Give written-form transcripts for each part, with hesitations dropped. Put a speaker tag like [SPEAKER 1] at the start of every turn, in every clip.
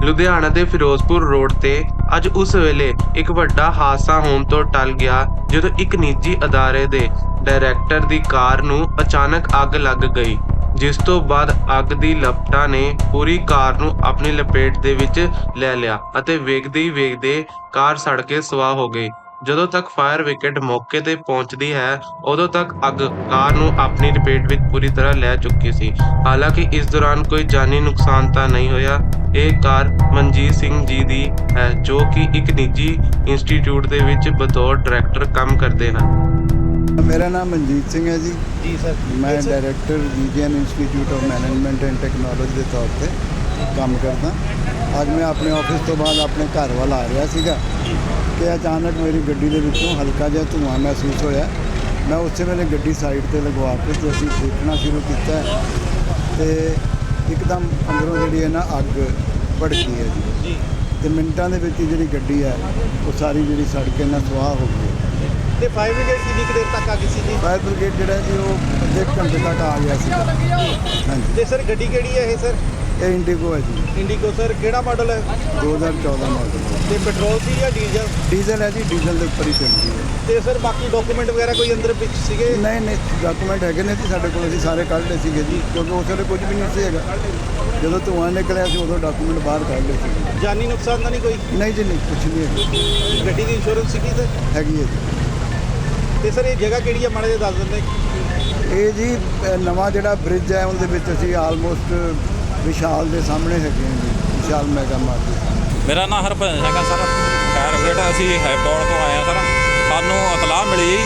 [SPEAKER 1] ਲੁਧਿਆਣਾ ਦੇ ਫਿਰੋਜ਼ਪੁਰ ਰੋਡ ਤੇ ਅੱਜ ਉਸ ਵੇਲੇ ਇੱਕ ਵੱਡਾ ਹਾਦਸਾ ਹੋਣ ਤੋਂ ਟਲ ਗਿਆ ਜਦੋਂ ਇੱਕ ਨਿੱਜੀ ਅਦਾਰੇ ਦੇ ਡਾਇਰੈਕਟਰ ਦੀ ਕਾਰ ਨੂੰ ਅਚਾਨਕ ਅੱਗ ਲੱਗ ਗਈ, ਜਿਸ ਤੋਂ ਬਾਅਦ ਅੱਗ ਦੀ ਲਪਟਾਂ ਨੇ ਪੂਰੀ ਕਾਰ ਨੂੰ ਆਪਣੀ ਲਪੇਟ ਦੇ ਵਿੱਚ ਲੈ ਲਿਆ ਅਤੇ ਵੇਖਦੇ ਹੀ ਵੇਖਦੇ ਕਾਰ ਸੜ ਕੇ ਸੁਆਹ ਹੋ ਗਈ। ਜਦੋਂ ਤੱਕ ਫਾਇਰ ਬ੍ਰਿਗੇਡ ਮੌਕੇ ਤੇ ਪਹੁੰਚਦੀ ਹੈ, ਉਦੋਂ ਤੱਕ ਅੱਗ ਕਾਰ ਨੂੰ ਆਪਣੀ ਲਪੇਟ ਵਿੱਚ ਪੂਰੀ ਤਰ੍ਹਾਂ ਲੈ ਚੁੱਕੀ ਸੀ। ਹਾਲਾਂਕਿ ਇਸ ਦੌਰਾਨ ਕੋਈ ਜਾਨੀ ਨੁਕਸਾਨ ਤਾਂ ਨਹੀਂ ਹੋਇਆ। ਇਹ ਕਾਰ ਮਨਜੀਤ ਸਿੰਘ ਜੀ ਦੀ ਹੈ, ਜੋ ਕਿ ਇੱਕ ਨਿੱਜੀ ਇੰਸਟੀਚਿਊਟ ਦੇ ਵਿੱਚ ਬਤੌਰ ਡਾਇਰੈਕਟਰ ਕੰਮ ਕਰਦੇ ਹਨ।
[SPEAKER 2] मेरा नाम मनजीत सिंह है जी।
[SPEAKER 3] जी सर।
[SPEAKER 2] मैं director GGN institute of management and technology के तौर पर काम करता। ਅੱਜ ਮੈਂ ਆਪਣੇ ਆਫਿਸ ਤੋਂ ਬਾਅਦ ਆਪਣੇ ਘਰ ਵੱਲ ਆ ਰਿਹਾ ਸੀਗਾ ਕਿ ਅਚਾਨਕ ਮੇਰੀ ਗੱਡੀ ਦੇ ਵਿੱਚੋਂ ਹਲਕਾ ਜਿਹਾ ਧੂੰਆਂ ਮਹਿਸੂਸ ਹੋਇਆ। ਮੈਂ ਉਸੇ ਵੇਲੇ ਗੱਡੀ ਸਾਈਡ ਤੇ ਲਗਵਾ ਕੇ ਤੇ ਅਸੀਂ ਦੇਖਣਾ ਸ਼ੁਰੂ ਕੀਤਾ ਤੇ ਇੱਕਦਮ ਅੰਦਰੋਂ ਜਿਹੜੀ ਹੈ ਨਾ ਅੱਗ ਭੜਕੀ ਹੈ ਜੀ ਤੇ ਮਿੰਟਾਂ ਦੇ ਵਿੱਚ ਜਿਹੜੀ ਗੱਡੀ ਹੈ ਉਹ ਸਾਰੀ ਜਿਹੜੀ ਸੜ ਕੇ ਨਾ ਸੁਆਹ ਹੋ ਗਈ।
[SPEAKER 3] ਤੇ ਫਾਇਰ ਬ੍ਰਿਗੇਡ ਕਿੰਨੀ ਕੁ ਦੇਰ ਤੱਕ ਆ ਗਈ ਸੀ ਜੀ?
[SPEAKER 2] ਫਾਇਰ ਬ੍ਰਿਗੇਡ ਜਿਹੜਾ ਜੀ ਉਹ ਅੱਧੇ ਘੰਟੇ ਤੱਕ ਆ ਗਿਆ ਸੀ। ਹਾਂਜੀ।
[SPEAKER 3] ਤੇ ਸਰ ਗੱਡੀ ਕਿਹੜੀ ਹੈ ਇਹ ਸਰ?
[SPEAKER 2] ਇਹ ਇੰਡੀਗੋ ਹੈ ਜੀ।
[SPEAKER 3] ਇੰਡੀਗੋ ਸਰ ਕਿਹੜਾ ਮਾਡਲ ਹੈ?
[SPEAKER 2] 2014 ਮਾਡਲ।
[SPEAKER 3] ਤੇ ਪੈਟਰੋਲ ਸੀ ਜਾਂ ਡੀਜ਼ਲ?
[SPEAKER 2] ਡੀਜ਼ਲ ਹੈ ਜੀ, ਡੀਜ਼ਲ ਦੇ ਉੱਪਰ ਹੀ ਚੱਲਦੀ ਹੈ।
[SPEAKER 3] ਤੇ ਸਰ ਬਾਕੀ ਡਾਕੂਮੈਂਟ ਵਗੈਰਾ ਕੋਈ ਅੰਦਰ ਵਿੱਚ ਸੀਗੇ?
[SPEAKER 2] ਨਹੀਂ ਡਾਕੂਮੈਂਟ ਹੈਗੇ ਨੇ ਜੀ ਸਾਡੇ ਕੋਲ, ਅਸੀਂ ਸਾਰੇ ਕੱਢ ਲਏ ਸੀਗੇ ਜੀ, ਕਿਉਂਕਿ ਉਸ ਵੇਲੇ ਕੁਝ ਵੀ ਨਹੀਂ ਸੀ ਹੈਗਾ। ਜਦੋਂ ਧੂੰਆਂ ਨਿਕਲਿਆ ਸੀ ਉਦੋਂ ਡਾਕੂਮੈਂਟ ਬਾਹਰ ਕੱਢ ਲਏ ਸੀ।
[SPEAKER 3] ਜਾਨੀ ਨੁਕਸਾਨ ਤਾਂ ਨਹੀਂ ਕੋਈ?
[SPEAKER 2] ਨਹੀਂ ਜੀ ਨਹੀਂ, ਕੁਝ ਨਹੀਂ ਹੈਗਾ।
[SPEAKER 3] ਗੱਡੀ ਦੀ ਇੰਸ਼ੋਰੈਂਸ ਸੀਗੀ ਸਰ?
[SPEAKER 2] ਹੈਗੀ ਹੈ ਜੀ।
[SPEAKER 3] ਤੇ ਸਰ ਇਹ ਜਗ੍ਹਾ ਕਿਹੜੀ ਹੈ ਮਾੜਾ ਜਿਹਾ ਦੱਸ ਦਿੰਦੇ?
[SPEAKER 2] ਇਹ ਜੀ ਨਵਾਂ ਜਿਹੜਾ ਬ੍ਰਿਜ ਹੈ ਉਹਦੇ ਵਿੱਚ ਅਸੀਂ ਆਲਮੋਸਟ ਵਿਸ਼ਾਲ ਦੇ ਸਾਹਮਣੇ ਹੈਗੇ ਹਾਂ ਜੀ, ਵਿਸ਼ਾਲ ਮੈਗਾ ਮਾਰਕੀਟ।
[SPEAKER 4] ਮੇਰਾ ਨਾਮ ਹਰਭਜਨ ਸਿੰਘ ਹੈ ਸਰ। ਫਾਇਰ ਬ੍ਰਿਗੇਡ ਅਸੀਂ ਹੈਪੌੜ ਤੋਂ ਆਏ ਹਾਂ ਸਰ। ਸਾਨੂੰ ਇਤਲਾਹ ਮਿਲੀ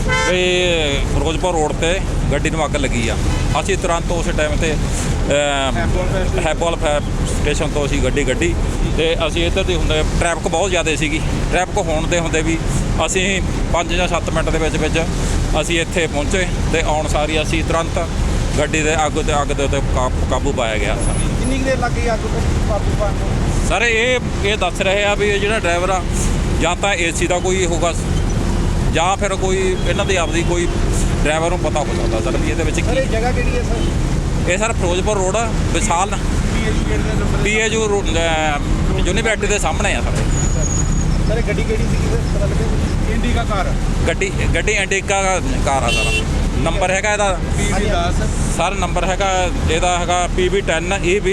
[SPEAKER 4] ਵੀ ਫਿਰੋਜ਼ਪੁਰ ਰੋਡ ਤੇ ਗੱਡੀ ਨੂੰ ਅੱਗ ਲੱਗੀ ਆ। ਅਸੀਂ ਤੁਰੰਤ ਉਸ ਟਾਈਮ ਤੇ ਹੈਪੌਲ ਫਾਇਰ ਸਟੇਸ਼ਨ ਤੋਂ ਅਸੀਂ ਗੱਡੀ ਕੱਢੀ ਤੇ ਅਸੀਂ ਇੱਧਰ ਦੀ ਹੁੰਦੇ ਟ੍ਰੈਫਿਕ ਬਹੁਤ ਜ਼ਿਆਦਾ ਸੀਗੀ। ਟ੍ਰੈਫਿਕ ਹੋਣ ਦੇ ਹੁੰਦੇ ਵੀ ਅਸੀਂ 5 ਜਾਂ 7 ਮਿੰਟ ਦੇ ਵਿੱਚ ਅਸੀਂ ਇੱਥੇ ਪਹੁੰਚੇ ਤੇ ਆਉਣ ਸਾਰੀ ਅਸੀਂ ਤੁਰੰਤ ਗੱਡੀ ਦੇ ਅੱਗ ਦੇ ਉੱਤੇ ਕਾਬੂ ਪਾਇਆ ਗਿਆ।
[SPEAKER 3] ਕਿੰਨੀ ਕੁ ਦੇਰ ਲੱਗ ਗਈ ਅੱਗ ਨੂੰ ਕਾਬੂ ਪਾਉਣ ਨੂੰ?
[SPEAKER 4] ਸਰ ਇਹ ਦੱਸ ਰਹੇ ਆ ਵੀ ਜਿਹੜਾ ਡਰਾਈਵਰ ਆ ਜਾਂ ਤਾਂ ਏਸੀ ਦਾ ਕੋਈ ਹੋਊਗਾ ਜਾਂ ਫਿਰ ਕੋਈ ਇਹਨਾਂ ਦੀ ਆਪਦੀ ਕੋਈ ਡਰਾਈਵਰ ਨੂੰ ਪਤਾ ਹੋ ਸਕਦਾ ਸਰ ਵੀ ਇਹਦੇ ਵਿੱਚ
[SPEAKER 3] ਸਰ ਇਹ ਜਗ੍ਹਾ ਕਿਹੜੀ ਹੈ ਸਰ?
[SPEAKER 4] ਇਹ ਸਰ ਫਿਰੋਜ਼ਪੁਰ ਰੋਡ ਵਿਸ਼ਾਲ PAU ਯੂਨੀਵਰਸਿਟੀ ਦੇ ਸਾਹਮਣੇ ਆ ਸਰ।
[SPEAKER 3] ਸਰ ਇਹ ਗੱਡੀ ਕਿਹੜੀ ਸੀਗੀ ਸਰ ਪਤਾ ਲੱਗਿਆ? ਇੰਡੀਕਾ ਕਾਰ।
[SPEAKER 4] ਗੱਡੀ ਇੰਡੀਕਾ ਕਾਰ ਆ ਸਰ। ਨੰਬਰ ਹੈਗਾ ਇਹਦਾ
[SPEAKER 3] PB10
[SPEAKER 4] ਸਰ। ਨੰਬਰ ਹੈਗਾ ਇਹਦਾ ਹੈਗਾ PB10 EB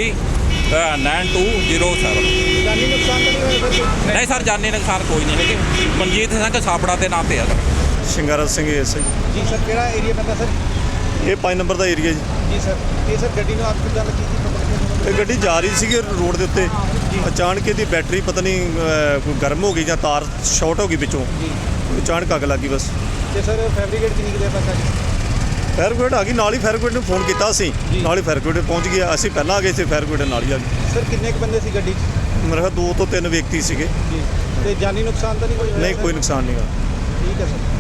[SPEAKER 4] 9207।
[SPEAKER 3] ਜਾਨੀ ਨੁਕਸਾਨ ਤਾਂ ਨਹੀਂ ਹੋਇਆ ਸਰ?
[SPEAKER 4] ਨਹੀਂ ਸਰ, ਜਾਨੀ ਨੁਕਸਾਨ ਕੋਈ ਨਹੀਂ ਹੈਗੇ। ਮਨਜੀਤ ਸਿੰਘ ਸਾਪੜਾ ਦੇ ਨਾਂ ਤੇ ਆ sir.
[SPEAKER 5] Shingara Singh SI
[SPEAKER 3] ji sir. ਕਿਹੜਾ ਏਰੀਆ ਪੈਂਦਾ ਸਰ?
[SPEAKER 5] ਇਹ 5 ਨੰਬਰ ਦਾ ਏਰੀਆ ਜੀ।
[SPEAKER 3] ਜੀ ਸਰ। ਇਹ ਸਰ ਗੱਡੀ ਨੂੰ ਅੱਗ ਕਿੱਦਾਂ ਲੱਗੀ ਸੀ ਪਤਾ ਲੱਗਿਆ?
[SPEAKER 5] ਇਹ ਗੱਡੀ ਜਾ ਰਹੀ ਸੀਗੀ ਰੋਡ ਦੇ ਉੱਤੇ, ਅਚਾਨਕ ਇਹਦੀ ਬੈਟਰੀ ਪਤਾ ਨਹੀਂ ਕੋਈ ਗਰਮ ਹੋ ਗਈ ਜਾਂ ਤਾਰ ਸ਼ਾਰਟ ਹੋ ਗਈ ਵਿੱਚੋਂ, ਅਚਾਨਕ ਅੱਗ ਲੱਗ ਗਈ ਬਸ।
[SPEAKER 3] ਤੇ ਸਰ ਫੈਬਰਿਕੇਟ ਕਿੰਨੀ ਕੁ ਦੇਰ ਤੱਕ ਆ ਗਈ?
[SPEAKER 5] ਫਾਇਰ ਬ੍ਰਿਗੇਡ ਆ ਗਈ, ਨਾਲ ਹੀ ਫਾਇਰ ਬ੍ਰਿਗੇਡ ਨੂੰ ਫੋਨ ਕੀਤਾ ਅਸੀਂ, ਨਾਲ ਹੀ ਫਾਇਰ ਬ੍ਰਿਗੇਡ ਪਹੁੰਚ ਗਿਆ। ਅਸੀਂ ਪਹਿਲਾਂ ਆ ਗਏ ਸੀ, ਫਾਇਰ ਬ੍ਰਿਗੇਡ ਨਾਲ ਹੀ ਆ ਗਈ।
[SPEAKER 3] ਸਰ ਕਿੰਨੇ ਕੁ ਬੰਦੇ ਸੀ ਗੱਡੀ 'ਚ?
[SPEAKER 5] ਮੇਰੇ ਖਿਆਲ 2 ਤੋਂ 3 ਵਿਅਕਤੀ ਸੀਗੇ।
[SPEAKER 3] ਜੀ। ਤੇ ਜਾਨੀ ਨੁਕਸਾਨ ਤਾਂ ਨਹੀਂ ਕੋਈ ਹੋਇਆ?
[SPEAKER 5] ਨਹੀਂ, ਕੋਈ ਨੁਕਸਾਨ ਨਹੀਂ ਹੋਇਆ।
[SPEAKER 3] ਠੀਕ ਹੈ ਸਰ।